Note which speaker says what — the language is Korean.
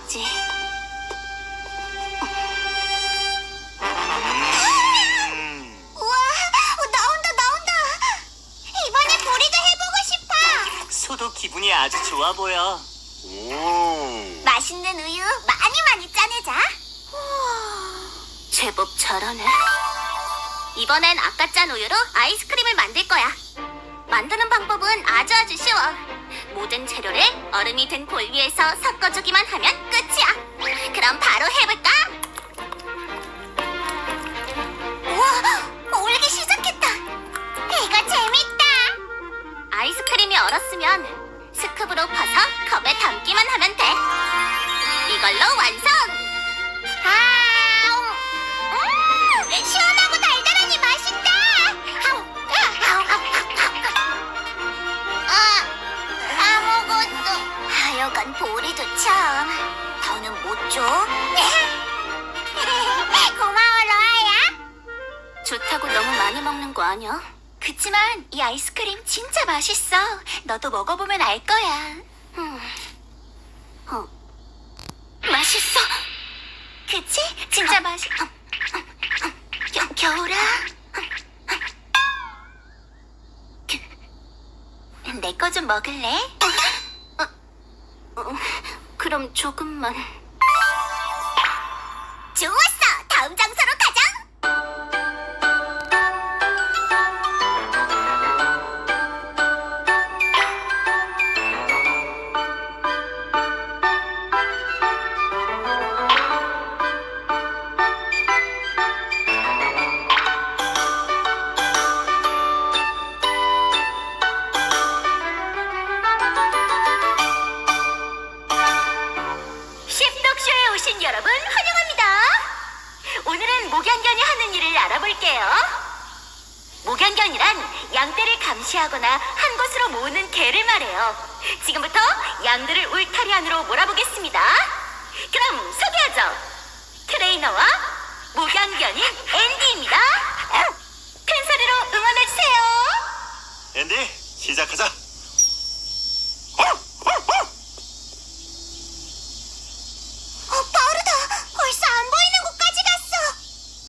Speaker 1: 해야지. 우와, 나온다. 이번에 보리도 해보고 싶어.
Speaker 2: 소도 기분이 아주 좋아 보여.
Speaker 1: 맛있는 우유 많이 짜내자. 우와, 제법 잘하네. 이번엔 아까 짠 우유로 아이스크림을 만들 거야. 만드는 방법은 아주 쉬워. 모든 재료를 얼음이 든 볼 위에서 섞어주기만 하면 끝이야. 그럼 바로 해볼까? 우와, 올기 시작했다. 이거 재밌다. 아이스크림이 얼었으면 스쿱으로 퍼서 컵에 담기만 하면 돼. 이걸로 완성! 시원하고 달달하니 맛있다! 다 먹었어. 하여간 보리도 참. 더는 못 줘. 고마워, 로아야. 좋다고 너무 많이 먹는 거 아니야? 그치만 이 아이스크림 진짜 맛있어. 너도 먹어보면 알 거야. 맛있어. 그치? 진짜 맛있어. 겨울아. 내 거 좀 먹을래? 그럼 조금만. 좋았어. 다음 장소로 가자. 씹덕쇼에 오신 여러분 환영합니다. 오늘은 목양견이 하는 일을 알아볼게요. 목양견이란 양떼를 감시하거나 한 곳으로 모으는 개를 말해요. 지금부터 양들을 울타리 안으로 몰아보겠습니다. 그럼 소개하죠. 트레이너와 목양견인 앤디입니다. 큰 소리로 응원해주세요.
Speaker 3: 앤디, 시작하자.